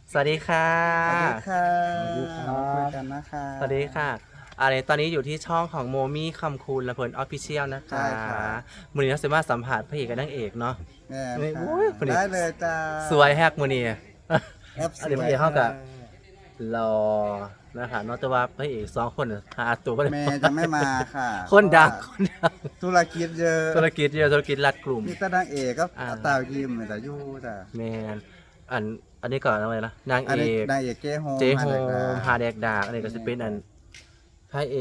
สวัสดีค่ะสวัสดีค่ะสวัสดีครับคุยกันนะคะสวัสดีค่ะตอนนี้อยู่ที่ช่องของโมมี่คำคูณและเพลินออฟฟิเชียลนะคะใช่ค่ะมือนี้เราจะมาสัมผัสพระเอกกับนางเอกเนาะแม่นี่ค่ะโอ้ยคนนี้ได้เลยจ้าสวยแฮกมือนี้แอปสอันนี้พวระยเอกเข้ากับค่ะรอนะคะนอกจากว่าพระเอกสองคนน่ะหาตัวก็ได้แม่จะไม่มาค่ะคนดังเพคราะนดังว่าธุรกิจเยอะธุรกิจเยอะธุรกิจรัดกลุ่มมีแต่นางเอกก็อ่าตาวยิมแต่ยู่จ้ะแมนอันนี้ก่อนอะไรนะนางอันเอนี้กนางเอกเจ๊โฮมเจ๊โฮมาเลยมค่ะฮาแดกดากอันนี้ก็จะเป็นพระเอก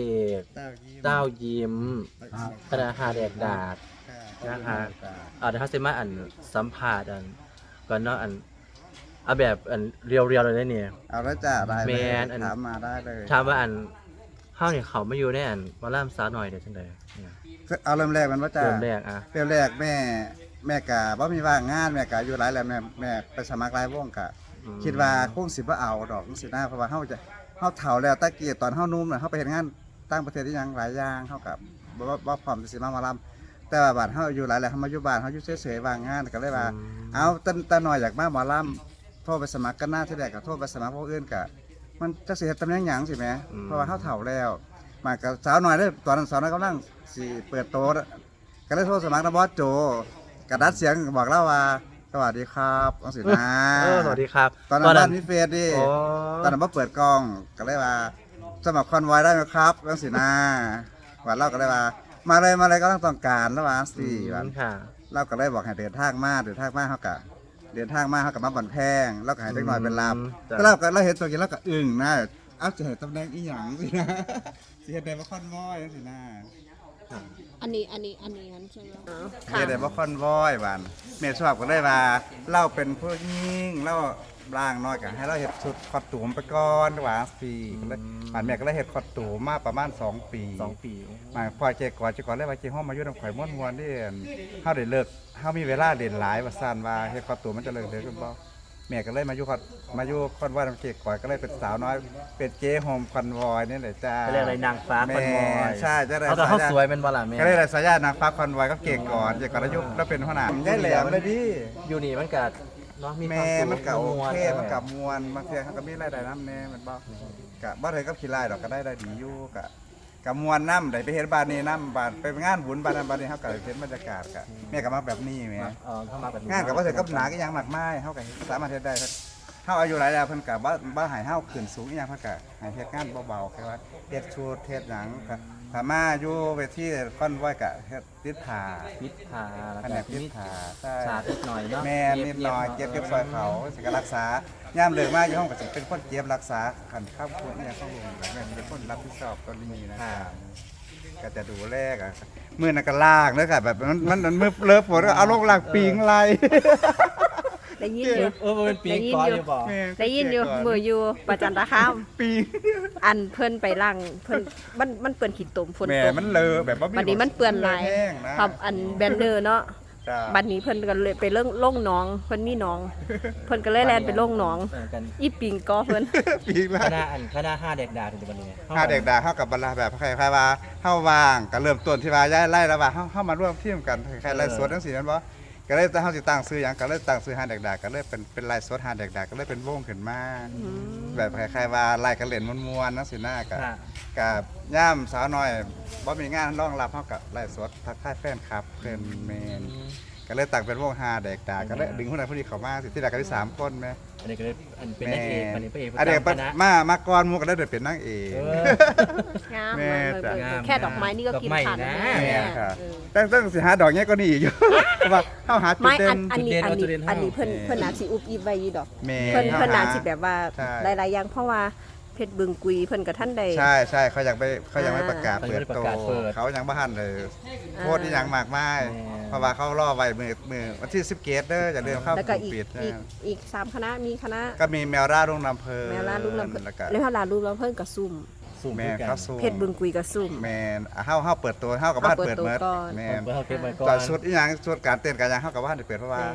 ตาวยิมเต้ายิ้มคณะฮาแดกดากค่ะนะคะ เดี๋ยวเขาจะมาสัมภาษณ์ก่อนเนาะเอาแบบเรียวๆเลยได้เนี่ยเอาแล้วจ้ะได้เลแมยนถามมาได้เลยถามว่าเฮาเนี่ยเขามาอยู่ในมาล่ามสาวหน่อยเดี๋ยวจังไดเนี่ยเอาเริ่มแรกมันว่าจ้ะเริ่มแรกเริ่มแรกแม่กะบ่มีว่างงานแม่กะอยู่หลายแล้วแม่ไปสมัครหลายวงกะ คิดว่าคงสิบ่เอาดอกจังซี่นะเพราะว่าเฮาเฒ่าแล้วตะกี้ตอนเฮาหนุ่มน่ะเฮาไปเฮ็ดงานต่างประเทศที่หยังหลายอย่างเฮากับบ่พร้อมสิมาหมอลำแต่ว่าบัดเฮาอายู่หลายแล้วเฮามาอยู่บ้านเฮาอยู่เฉยๆว่างงานก็เลยว่า เอาตาน้อยอยากมาหมอลำโทรไปสมัครกันหน้าที่แรกก็โทรไปสมัครพวกอื่นก็มันจักสิเฮ็ดตำแหน่งหยังสิแหมเพราะว่าเฮาเฒ่าแล้วมากับสาวน้อยเด้อตอนนั้นสาวน้อยกำลังสิเปิดโตก็เลยโทรสมัครนบอสโจกระดัดเสียงบอกเล่าว่าสวัสดีครับจังซี่นะสวัสดีครับตอนนั้นบ้านมีเฟซดิโอ้ตอนนั้นมาเปิดกล้องก็เลยว่าสมัครคอนไวอยได้ไหมครับเรื่องสีหน้าวันเล่าก็เลยว่า มาเลยก็ต้องการแล้วว่าสี่วันค่ะเล่าก็เลยบอกให้เดินทางมาเขากะเดินทางมาเขากับมาบันแพงแล้วก็ให้เล็กน้อยเป็นลำก็เราเห็นตัวกินแล้วก็อึ้งนะเอาจะเห็นตำแหน่งอีหยังสินะสิเห็นได้ว่าคอนวอยจังสินะอันนี้งั้นใช่ไหมเห็นได้ว่าคอนวอยวันเมย์ชอบก็เลยว่าเล่าเป็นผู้ยิ่งเล่าร่างน้อยกันให้เราเห็ดชุดคอตูมไปก่อนว่าสี่ก็เลยป่านแม่ก็เลยเห็ดคอตูมมาประมาณ2 ปี 2 ปีมาพอเจก่อนเลยว่าเจห้องมาอยู่น้ำข่อยม้วนๆนี่เฮาได้เลิกเฮามีเวลาเด่นหลายว่าซั่นว่าเฮ็ดคอตูมมันจะเลิกเด้อคุณบ่แม่ก็เลยมาอยู่คอนวอยน้ำเจก่อนก็เลยเป็นสาวน้อยเป็นเจ๊โฮมคอนวอยนี่แหละจ้าเขาเรียกอะไรนางฟ้าคอนวอยแม่ใช่จะได้เขาแต่เขาสวยเป็นบ่ล่ะแม่ก็เลยได้สายญาตินางฟ้าคอนวอยก็เก่งก่อนเจก่อนแล้วยุคแล้วเป็นหัวหน้าได้แหลมเลยดิอยู่นี่มันกัดเนาะมีควาแม่มสุขมันก็โอเควมันก็ม่วนบางเทื่อเขาก็มีรายได้นำแน่มันบ่ก็บ่ได้กับขี้ลายดอกก็ได้ดีอยู่ก็ม่วนนำได้ไปเฮ็ดบ้านนี้นำบ้านไปงานบุญบ้านนั้นบ้านนี้เฮาก็ได้เห็นบรรยากาศก็แม่ก็มาแบบนี้แหมเข้ามาแบบนี้งานก็บ่ได้กับหนาก็ยังมากมายเฮาก็สามารถเฮ็ดได้เฮาอายุหลายแล้วเพิ่นก็บ่ให้เฮาขึ้นสูงอีหยังเพิ่นก็ให้เฮ็ดงานเบาๆแค่ว่าเฮ็ดชุดเฮ็ดหยังก็ถ้ามาอยู่เวทีคอนไว้ก็เฮ็ดติดผ้าพิษพาแล้วแผนก็กติดมีผ้าใช่ฉากนิดหน่อยเนาะแม่นิดหน่อยเก็บซอยเขาสิก็รักษาย่ามเลิกมาอยู่ห้องก็สิเป็นคนเก็บรักษาคันข้าวคนเนี่ยเข้าลงแม่เป็นคนรับผิดชอบตรงนี้นะครับก็จะดูแลอ่ะมือนันก็ลากเด้อค่ะแบบมันมือเลิฟฝนก็เอาลงลากปิงไหลได้ยินอยู่เป็นปีก้อนอยู่บ่ได้ยินอยู่มืออยู่ประจันตคามปิงอันเพิ่นไปล่างเพิ่นมันเปื้อนขี้ตมฝนแม่ตกมันเลอะแบบว่าบัดนี้มันเปื้อนลายแห้งนะครับอันแบนเนอร์เนาะจ้าบัดนี้เพิ่นก็เลยไปล่งหนองเพิ่นมีหนอง เพิ่นก็เลยแล่นไปล่งหนองเหมือนกันอีปิงก็เพิ่นปิงไหลคณะห้าเด็กดาถึงวันนี้ถ้าเด็กด่าเข้ากับบรรดาแบบใครว่าเฮาว่างก็เริ่มต้นที่ว่าย้ายไล่แล้วว่าเฮามาร่วมทีมกันใครไล่สดจังซี่นั่นบ่ก็เลยเฮาสิตั้งชื่อหยังก็เลยตั้งชื่อหาเด็กด่าก็เลยเป็นไล่สดหาเด็กด่าก็เลยเป็นวงขึ้นมาแบบใครว่าไล่กันเล่นม่วนๆจังซี่นะก็ย่ามสาวน้อยบ่มีงานรองรับเฮาก็ไล่สดทักทายแฟนคลับเพิ่นแม่นก็เลยตั้งเป็นวงหาเด็กด่าก็เลยดึงคนนั้นผู้นี้เข้ามาสิที่แรกก็ได้3คนแม่อันนี้ก็เลยเป็นนางเอกอันนี้พระเอกอันนี้ประจำคณะมาก่อนหมู่ก็ได้เป็นนางเอกงามแม่เลยจ้ะแค่ดอกไม้นี่ก็กินขาดแล้วดอกไม้นะแม่แม่ค่ะเออตั้งสิหาดอกเงี้ยก็นี่อยู่ เพราะว่าเฮาหาจุดไม่เด่อันนนี้จุดเด่นเอาจุดเด่นอันนี้เฮาเพิ่นน่าสิอุบอิบไว้อยู่ดอกแม่เพิ่นฮาน่าสิแบบว่าใช่หลายๆอย่างเพราะว่าเพชรบึงกุยเพิ่นกับท่านใดใช่ใช่เขายังไม่ประกาศเขายังเปิดไม่ประโตกาศเปิดเขายังบ่ทันเลยอ่าโคตรที่ยังมากมายแม่เพราะว่าเขารอไว้มือวันที่10เกตเด้ออย่าลืมเข้าแล้วก็กลุ่มปิดนะอีก3คณะมีคณะก็มีแมวร่ารุ่งลำเพลินแมวลาลูกลำเพิ่นแล้วก็แล้วลาลูกลำเพิ่นกับซุ่มสุ่มแม่ด้วยกันเขาสู้เพชรบึงกุยกับซุ่มแม่นเฮาเปิดตัวเฮากับบ้านเปิดเมิดเฮาเปิดตัวก่อนแม่นเปิดเขาเก็บไว้ก่อตอน นชุดอีหยังชุดการเต้นกันยังเฮากับบ้านได้เปิดเพราะว่าแม่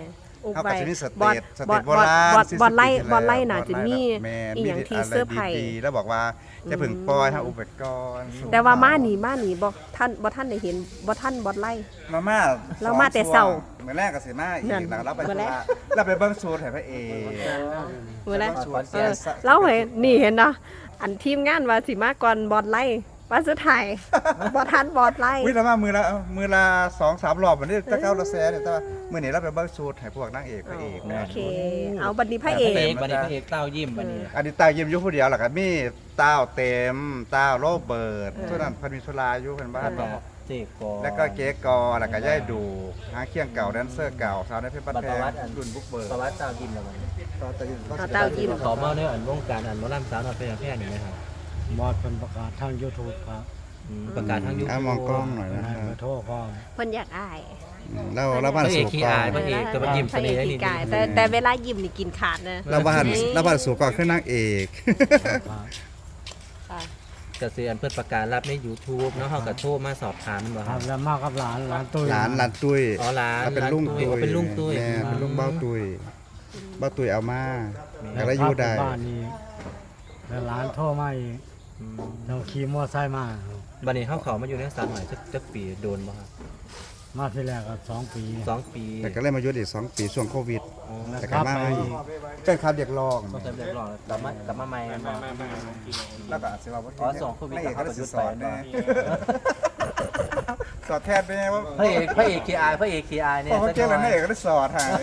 อุบเขาไว้ก็จะมีสบอเตดจสบเตอจดโบบอดราณบอด 40 บอดไล่ปีที่บอดไล่แล้วน่ะจะมีแม่อีหยังที่ะไรเสื้อร์ไผ่ดีๆแล้วบอกว่าจะพึ่งปล่อยให้อุปกรณ์แต่ว่ามานี่บ่ท่านได้เห็นบ่ท่านบอดไล่มาม่าเรามาแต่เช้าเหมือนแรกก็สิมาอีกนั่นแล้วเราไปมื้อแรกเราไปเบิ่งสูตรให้พระเอกมื้อแรกสวนเออเราเห็นนี่เห็นเนาะอันทีมงานว่าสิมาก่อนบอดไล่ว่าสุดท้ายบ่ทันบอดไล่วิเรามามือละ2-3 รอบวันนี้ตะเก้าละแสนเนี่ยแต่ว่ามื้อนี้เราไปเบิ่งสูตรให้พวกนางเอกพระเอกโอนะเค เอาบัดนี้พระเอพระเอกกบัดนี้พระเอกเต้ายิ้มบัดนี้อันนี้ตายิ้มอยู่ผู้เดียวล่ะก็มีต้าวเต็มต้าวโรเบิร์ตส่วนนั้นเพิ่นมีสุราอยู่เพิ่นบ้านแล้วก็เจ๊กอแล้วก็เก๊กอแล้วก็ย่ายดูหาเคียงเก่าแดนเซอร์เก่าสาวในเพชรบ้านบัดแพประงวัติอันรุ่นบุกเบิร์ประวัติเต้ายิ้มแล้วบัดนี้เอาเต้ายิ้มขอเมาในอันวงการอันหมอลำสาวน้อยเพชรแพร่นี่ไหมครับบอดเป็นประกาศทาง YouTube ครับประกาศทางยูทูมองกล้องหน่อยเป็นนะให้เบอร์โทรพร้อมเพิ่นอยากอายเราบ้านพระเอสู่กขี้กออาง ยพระเอกแต่ว่ายิ้มพเสระเอน่กห์ขี้นี่กายแต่เวลายิ้มนี่กินขาดนะเราบ้านสู่กองขึ้นนางเอกครับค่ะก็สิอันเพิ่นประกาศรับใน YouTube เนาะเฮาก็โทรมาสอบถามมันบ่คครัรับบ แล้วมากับหลานตุ้ยหลานตุ้ยอ๋อหลานเราเป็นลุงตุ้ยเป็นลุงตุ้ยแม่เป็นลุงเบ้าตุ้ยเบ้าตุ้ยเอามาแล้วก็อครัยู่บได้บ้านนี้แล้วหลานโทรมาอีกเราขี่มอไซค์มาครับบัดนี้เฮาเข้ามาอยู่ในสาวน้อยจักปีโดนบ่ครับมาที่แรกก็2 ปี 2 ปีแต่ก็เลยมาอยู่อีก2 ปีช่วงโควิดอ๋อแต่ก็มาอีกเป็นคำเรียกร้องต้องเรียกร้องกลับมาใหม่กันบ่แล้วก็อาจสิว่าบ่อ๋อสองโควิดไม่เอกก็ได้สิสอนก็แน่หยุดไปสอนแทนไปไงว่าพระเอกขี้อายเนี่ยพอเขาเก่งแล้วไม่เอกก็ได้สอนหา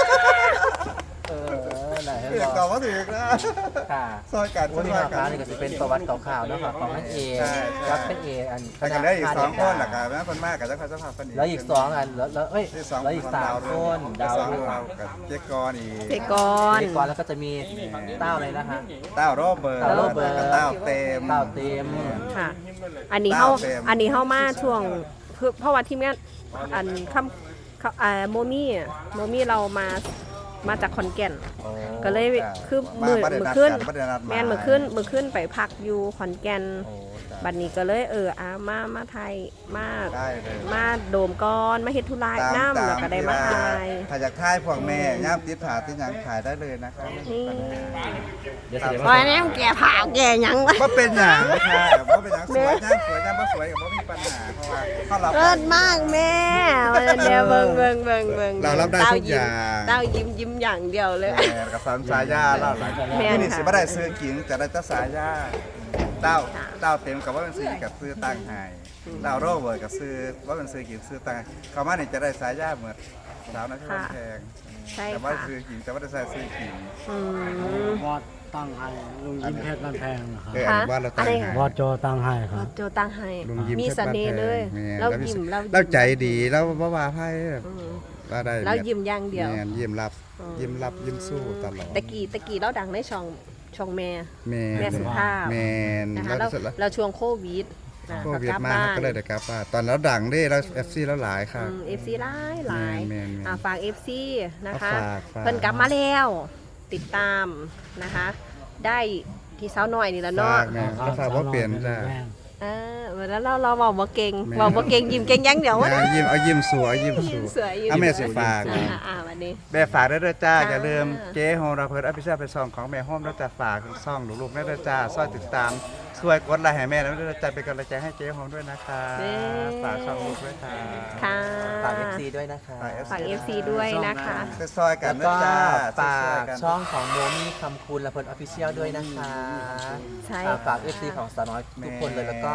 ไหนให้เอกบตออบ กว่าถูกนะค่ะซอยกันวันนี้ซอยมากัค้าน นี่ก็จะเป็นประวัติข่าวๆเนาะครับของนางเอกใช่กับพระเอกอันแต่กันได้อีก2 คนหลักการนะคนมากกับเจ้าข้าเจ้าภาพคนนี้แล้วอีก2อันแล้วเอ้ยที่สองแล้วอีก3คนดาวสองด้วยเรากับเจ๊กรอีกเจก่อนก่อนแล้วก็จะมีเต้าเลยนะฮะเต้าโรเบิร์ตเต้าโรเบิร์ตแล้วก็เต้าเต็มเต้าเต็มค่ะ อันนี้เฮาเต็มอันนี้เฮามาช่วงเพราะว่าทีมงานอันโมมี่เรามาจากขอนแก่น ก็เลยคือมือขึ้นแม่นมือขึ้นไปพักอยู่ขอนแก่นโอ้จ้ะบัดนี้ก็เลยมาไทยมาได้เลยมาโดมก่อนมาเฮ็ดธุระน้ำแล้วก็ได้มาทายถ้าอยากทายพวกแม่ย่ามติดผาติดหยังขายได้เลยนะครับนี่เดี๋ยวเสียโอ้ยนี่มันแก่ผ่าแก่หยังวะว่าเป็นอย่างนะคะว่าเป็นอย่างสวยย่างสวยย่างบ่สวยกับว่ามีปัญหาเพราะว่าเขารับเลิศมากแม่เดี๋ยวเบิ่งเรารับได้ทุกอย่างเต้ายิ้มอย่างเดียวเลยแม่กับสามสายยาเล่าหลังแม่นที่นี่ค่ะสิบ่ได้ซื้อกิ่งแต่ได้จะสายยาเต้าเต็มกับว่าเป็นซื้อกับซื้อตั้งใหายเต้าโรเบิร์ตกับซื้อว่าเป็นซื้อกิ่งซื้อตั้งเขามานี่จะได้สายยาเหมือนสาวนะที่มันแพงใช่แต่ว่าค่ะซื้อกิ่งแต่ว่าได้ใส่ซื้อกิ่งอืมบอดตั้งให้ลุงยิ้มเพชรบ้านแพงนะครับอันนี้ว่าเราตั้งอะไรให้คะบอดโจตั้งให้ครับโจตั้งให้ลุงยิ้มมีเสน่ห์เลยแม่เรายิ้มเราเราใจดีแล้วว่าไพ่อืมว่าได้เรายิ้มอย่างเดียวแม่นยิ้มรับอืมยิ้มสู้ตลอดตะกี้เราดังในช่องแม่แม่แม่สุภาพแม่นนะคะแล้แล้ววเราช่วงโควิดนะโควิดกลับมาบ้านก็เลยได้กลับบ้านตอนแล้วดังเด้แล้ว FC แล้วหลายค่ะ FC หลายแม่นๆฝาก FC นะคะฝากเพิ่นกลับมาแล้วติดตามนะคะ ได้ที่เช้าหน่อยนี่แล้วเนาะฝากแม่ก็ฝากว่าเปลี่ยนจ้ะแล้วเราเว้าบ่เก่งแม่เว้าบ่เก่งยิ้มเก่งอยังเดียววะงานยิ้มเอายิ้มสู้เอายิ้มยิ้สู้มสวยยิ้มเอาแม่สสิวยฝากวันนี้แม่ฝากได้ด้วยจ้าค่ะอย่าลืมเจ๊โฮมราเพิร์ดอภิชาติเป็นซองของแม่โฮมแล้วจะฝากซองลูกๆได้ด้วยจ้าช่วยติดตามช่วยกดไลค์ให้แม่แล้วด้วยจ้าเป็นกำลังใจให้เจ๊โฮมด้วยนะคะฝากช่องลูกด้วยค่ะค่ะฝาก FC ด้วยนะคะฝาก FC ด้วยนะคะซอยกันแล้วนะก็จ้าฝาซอยกๆนช่องของโมมี่คำคุณและเพิ่นออฟฟิเชียลด้วยนะคะใช่ฝาก FC ของสาวน้อยทุกคนเลยแล้วก็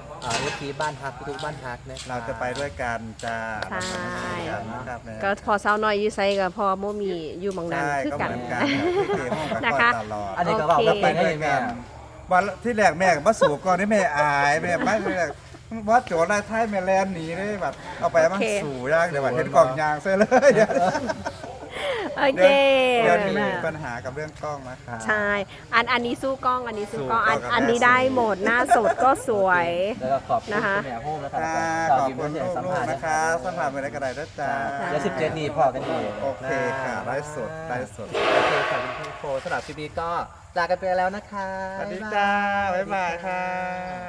FC บ้านฮักทุกบ้านฮักนะคะเราจะไปด้วยกันจ้าใช่ครับแม่ก็พอเช้าหน่อยอยู่ไสกับพอโมมีอยู่หมองนั้นใช่คือก็กันเหมือนกันพี่เจ๊ห้องกับนะคคะอยตลอดอันนี้ก็บอกว่าไปได้แม่วันที่แรกแม่ก็มาสู่ก่อนที่แม่อายแม่ไม่แรกวัดโจรไล่ท้ายแม่แลนหนีได้แบบเอาไปมันสู่ยากเดี๋ยวว่าเห็นกล่องยางเสียเลยโอเคเดี๋ยวนี้มีปัญหากับเรื่องกล้องนะคะใช่ อันนี้สู้กล้อง อันนี้สู้กล้องสู้กล้องกับอันนี้แม่ได้หมด หน้าสดก็สวยแล้วก็ขอบคุณนะคะคุณแม่โฮมนะคะค่ะแล้วขก็อบยิ้มคุณเสียงสัมลูภาก ษณ์ๆนะนะคะ คะสัมผัสไปได้กระไดด้วยจ้าแล้ว17นี่พอกันดีโอเคค่ะไลฟ์สดไลฟ์สดโอเคขอบคุณคุณโฟสำหรับคลิปนี้ก็ลากันไปแล้วนะคะสวัสดีจ้า บ๊ายบายค่ะ